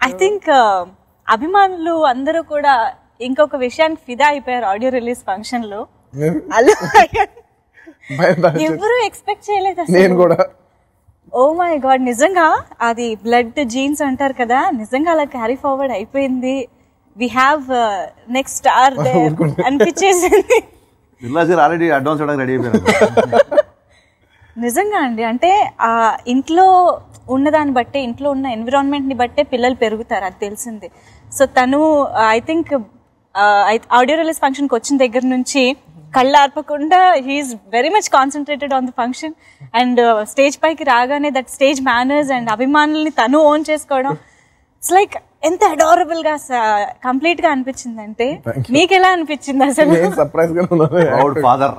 I think అభిమానులు అందరూ కూడా ఇంకొక విషయానికి ఫిదా అయిపోయారు ఆడియో రిలీజ్ ఫంక్షన్ లో. ఎవరు ఎక్స్పెక్ట్ చేయలేదు నేను కూడా. ఓ మై గాడ్, నిజంగా అది బ్లడ్ జీన్స్ అంటారు కదా, నిజంగా అలా క్యారీ ఫార్వర్డ్ అయిపోయింది. వి హ్యావ్ నెక్స్ట్ స్టార్ అనిపించేసింది. ఆల్రెడీ అడ్వాన్స్ రెడీ అయిపోయారు. నిజంగా అండి, అంటే ఆ ఇంట్లో ఉన్నదాన్ని బట్టే, ఇంట్లో ఉన్న ఎన్విరాన్మెంట్ ని బట్టే పిల్లలు పెరుగుతారు, అది తెలిసింది. సో తను ఐ థింక్ ఆడియో రిలీజ్ ఫంక్షన్కి వచ్చిన దగ్గర నుంచి కళ్ళు ఆర్పకుండా he's very much concentrated on the function. And stage పైకి రాగానే దట్ స్టేజ్ మేనర్స్ అండ్ అభిమానుల్ని తను ఓన్ చేసుకోవడం, ఇట్స్ లైక్ ఎంత అడారబుల్ గా కంప్లీట్ గా అనిపించింది. అంటే మీకు ఎలా అనిపించింది అసలు? సర్ప్రైజ్ గా ప్రౌడ్ ఫాదర్.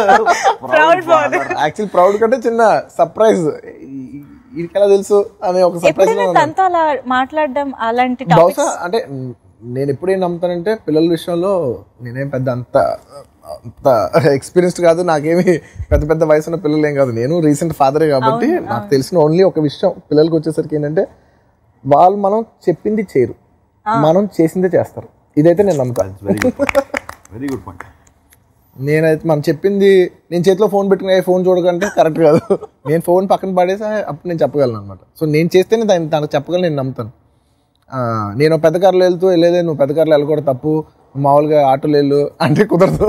యాక్చువల్ ప్రౌడ్ కంటే చిన్న సర్ప్రైజ్, ఎలా తెలుసు అనే ఒక సర్ప్రైజ్. తనతో అలా మాట్లాడడం అలాంటి బహుశా అంటే నేను ఎప్పుడేం నమ్ముతానంటే పిల్లల విషయంలో నేనేం పెద్ద అంత ఎక్స్పీరియన్స్డ్ కాదు, నాకేమి పెద్ద పెద్ద వయసు ఉన్న పిల్లలు ఏం కాదు. నేను రీసెంట్ ఫాదరే కాబట్టి నాకు తెలిసిన ఓన్లీ ఒక విషయం పిల్లలకి వచ్చేసరికి ఏంటంటే వాళ్ళు మనం చెప్పింది చేయరు, మనం చేసిందే చేస్తారు. ఇదైతే నేను నమ్ముతాను. Very good point. నేనైతే మనం చెప్పింది, నేను చేతిలో ఫోన్ పెట్టుకునే ఫోన్ చూడకంటే కరెక్ట్ కాదు. నేను ఫోన్ పక్కన పడేసి అప్పుడు నేను చెప్పగలను అనమాట. సో నేను చేస్తేనే తనకు చెప్పగలను, నేను నమ్ముతాను. నేను పెద్ద కార్లో వెళ్ళలేదే, నువ్వు పెద్ద కార్లో వెళ్ళకూడదు, తప్పు, మామూలుగా ఆటోలో వెళ్ళు అంటే కుదరదు.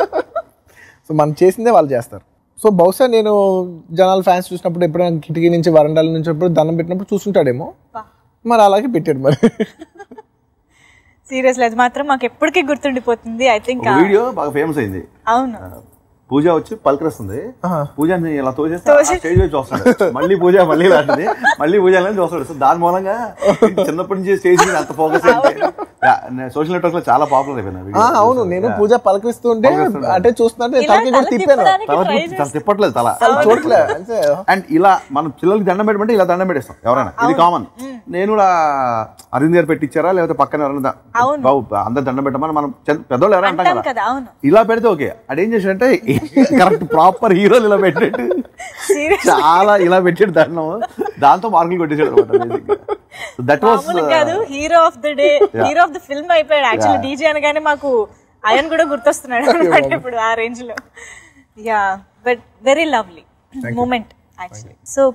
సో మనం చేసిందే వాళ్ళు చేస్తారు. సో బహుశా నేను జనాల ఫ్యాన్స్ చూసినప్పుడు ఎప్పుడైనా కిటికీ నుంచి వరండాల నుంచి ఎప్పుడు దండం పెట్టినప్పుడు చూసుంటాడేమో, మరి అలాగే పెట్టాడు. మరి సీరియస్లీ అది మాత్రం మాకు ఎప్పటికీ గుర్తుండిపోతుంది. ఐ థింక్ వీడియో బాగా ఫేమస్ అయింది. అవును, పూజ వచ్చి పలకరిస్తుంది, పూజని ఇలా తోచేస్తే స్టేజ్ మీద చూస్తాడు, మళ్ళీ పూజ మళ్ళీ లాంటిది, మళ్ళీ పూజ చూస్తాడు. సో దాని మూలంగా చిన్నప్పటి నుంచి స్టేజ్ మీద అంత ఫోకస్ సోషల్ నెట్వర్క్ లో చాలా పాపులర్ అయిపోయింది. అవును, నేను పూజ పలకరిస్తుంటే అంటే చూస్తుంటే తిప్పట్లేదు తల చూడట్లేదు. అండ్ ఇలా మనం పిల్లలకి దండం పెట్టమంటే ఇలా దండం పెట్టేస్తాం ఎవరైనా, ఇది కామన్. నేను కూడా అరవింద్ గారు పెట్టించారా లేకపోతే పక్కన ఎవరైనా బాబు అందరు దండం పెట్టమని మనం పెద్దోళ్ళు ఎవరైనా అంటాం కదా, ఇలా పెడితే ఓకే. అదేం చేశాడంటే కరెక్ట్ ప్రాపర్ హీరోలు ఇలా పెట్టాడు, చాలా ఇలా పెట్టాడు దండం, దాంతో మార్కులు కొట్టేసాడు అనమాట. That was hero of the day, hero of the film అయిపోయాడు. యాక్చువల్లీ డీజే అనగానే మాకు ఆయన కూడా గుర్తొస్తున్నాడు అనమాట ఇప్పుడు ఆ రేంజ్ లో. Yeah, but very lovely moment actually. So